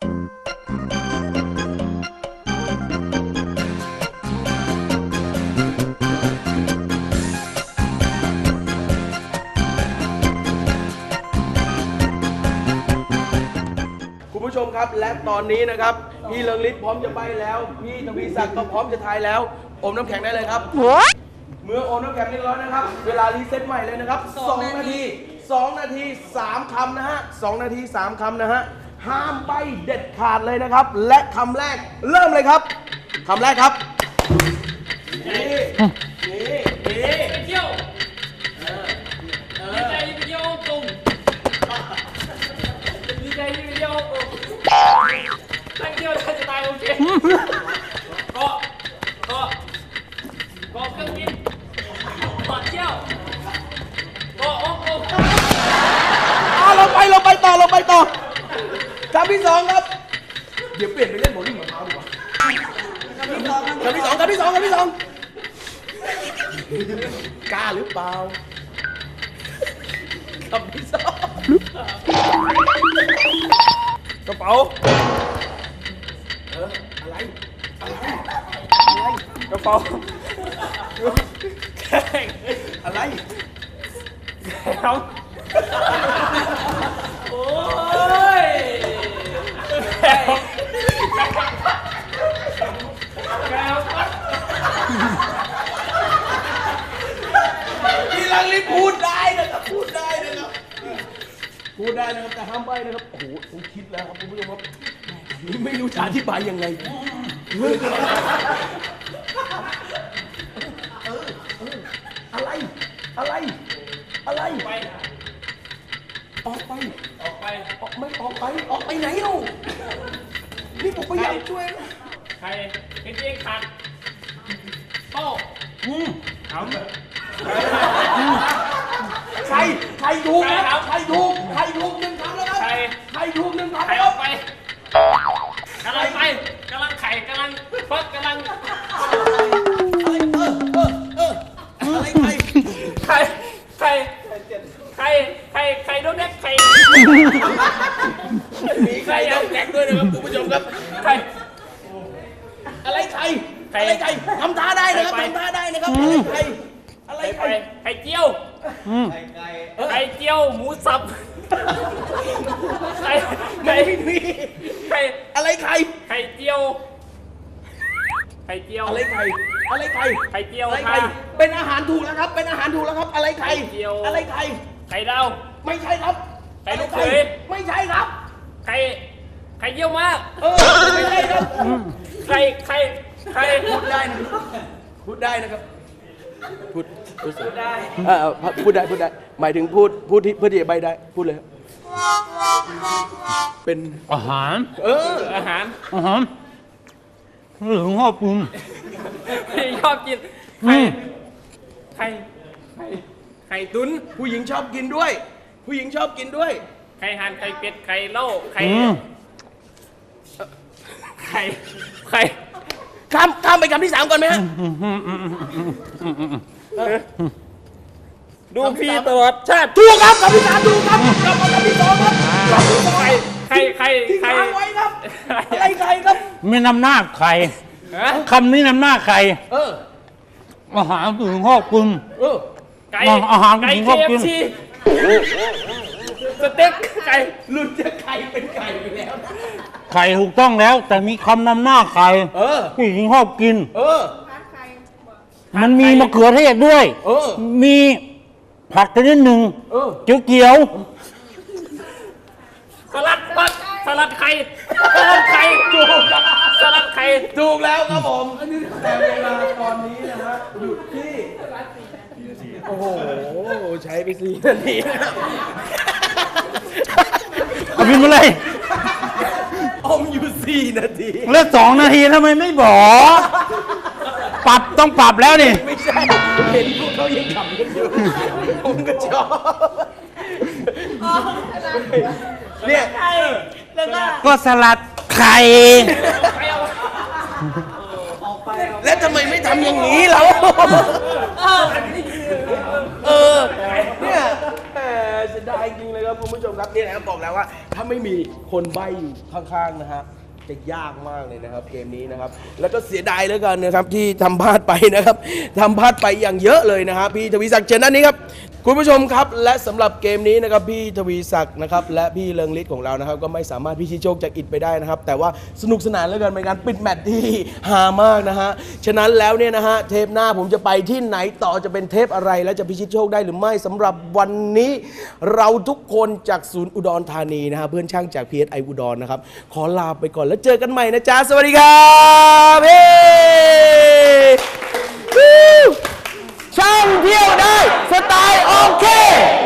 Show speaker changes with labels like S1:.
S1: คุณผู้ชมครับและตอนนี้นะครับพี่เลิงฤทธิ์พร้อมจะไปแล้วพี่ทวีศักดิ์ก็พร้อมจะทายแล้วอมน้ำแข็งได้เลยครับเมื่ออมน้ำแข็งเรียบร้อยนะครับเวลารีเซ็ตใหม่เลยนะครับ2 นาที2 นาที 3 คำนะฮะ2 นาที 3 คำนะฮะห้ามใบเด็ดขาดเลยนะครับและคำแรกเริ่มเลยครับคำแรกครับนี่
S2: ไปเที่ยวดีใจไปเที่ยวตรงดีใจไปเที่ยวตรงตั้งเที่ยวจะตายโอเคเกาะเครื่องบินเกาะเที่ยวเกาะโอ้โห
S1: เราไปต่อคำที่สองครับเดี๋ยวเปลี่ยนไปเล่นโบว์ลิ่งมะพร้าวดีกว่าคำที่สองกล้าหรือเปล่าคำที่สองกระเป๋าอะไรกระเป๋าอะไร
S2: โอ้ย
S1: พี่ลังลิพูดได้นะครับแต่ห้ามใบ้นะครับโอ้โหผมคิดแล้วครับคุณผู้ชมครับนี่ไม่รู้จะอธิบายยังไงอะไรออกไปไหนเล่านี่ผมพยายามช่วย
S2: ใครเป็นเองขาดโต้ทำ
S1: ใครถูกครับใครถูก1 คำแล้วครับใครถูก1 คำ
S2: ใคร
S1: แล้ว
S2: ออกไปกำลังไข่กำลังฟักกำลัง
S1: อะไร
S2: ไข่โดนแดกไข่
S1: มีใครโดนแดกด้วยนะครับคุณผู้ชมครับ
S2: ไข่
S1: อะไรไข่ทำท่าได้นะครับอะไรไข่
S2: เจียวไข่เจียวหมูสับ
S1: ไม่มีอะไรไข่
S2: เจียว
S1: อะไรไข่
S2: ไข่เจียว
S1: เป็นอาหารถูกแล้วครับอะไรไข่
S2: ไข่ดาว
S1: ไม่ใช่ครับ
S2: ไข่ลูกเขย
S1: ไม่ใช่ครับ
S2: ไข่เยี่ยวมาก
S1: ไม่ใช่ครับ
S2: ไข่
S1: พูดได้นะครับพูดได้หมายถึงพูดที่เพื่อที่จะใบได้พูดเลยครับเป็น
S3: อาหาร
S2: อาหาร
S3: หรือชอบกิน
S2: ชอบกินไข่ตุ๋น
S1: ผู้หญิงชอบกินด้วย
S2: ไข่ห่านไข่เป็ดไข่เล่าไข่
S1: ข้ามไปคำที่ 3ก่อนไหมฮะ
S2: ดูพี่ตลอดชาติ
S1: ถูกครับคำที่ 3ถูกครับกลับมาคำที่ 2ครับ
S2: ไข่
S1: ที่ค้างไว้ครับอะไรไข่ครับ
S3: ไม่นำหน้าไข่คำนี้นำหน้าไข่อาหารผู้หญิงชอบกินอาหารผู้หญิงชอบกิน
S2: สเต็กไก่
S1: หลุดจากไข่เป็นไก่ไปแล้ว
S3: ไข่ถูกต้องแล้วแต่มีคำนำหน้าไข่ผู้หญิงชอบกินมันมีมะเขือเทศด้วยมีผักชนิดหนึ่งเขียว
S2: สลัดไข่
S1: ถูกแล้วครับผมแต่เวลาตอนนี้นะฮะหยุดที่โอ้โหใช้ไป4 นาที
S3: เอาบินมาเลย
S1: อยู่4 นาที
S3: แล้ว2 นาทีทำไมไม่บอกต้องปรับแล้วนี่
S1: ไม่ใช่เห็นพวกเขายังขำกันอยู่ผมก็ชอบเนี่ย
S3: ก็สลัดไข่
S1: แล้วทำไมไม่ทำอย่างนี้เราเนี่ยเสียดายจริงเลยครับนะครับคุณผู้ชมครับนี่นะครับบอกแล้วว่าถ้าไม่มีคนใบ้อยู่ข้างๆนะฮะจะยากมากเลยนะครับเกมนี้นะครับแล้วก็เสียดายเหลือเกินนะครับที่ทำพลาดไปนะครับทำพลาดไปอย่างเยอะเลยนะครับพี่ทวีศักดิ์เชิญด้านนี้ครับคุณผู้ชมครับและสำหรับเกมนี้นะครับพี่ทวีศักดิ์นะครับและพี่เลิงฤทธิ์ของเรานะครับก็ไม่สามารถพิชิตโชคจากอิฐไปได้นะครับแต่ว่าสนุกสนานเหลือเกินเป็นการปิดแมตช์ที่ฮามากนะฮะฉะนั้นแล้วเนี่ยนะฮะเทปหน้าผมจะไปที่ไหนต่อจะเป็นเทปอะไรและจะพิชิตโชคได้หรือไม่สำหรับวันนี้เราทุกคนจากศูนย์อุดรธานีนะฮะเพื่อนช่างจาก PSI อุดรนะครับขอลาไปก่อนแล้วเจอกันใหม่นะจ๊ะสวัสดีครับเฮ้ช่างเที่ยวได้สไตล์โอเค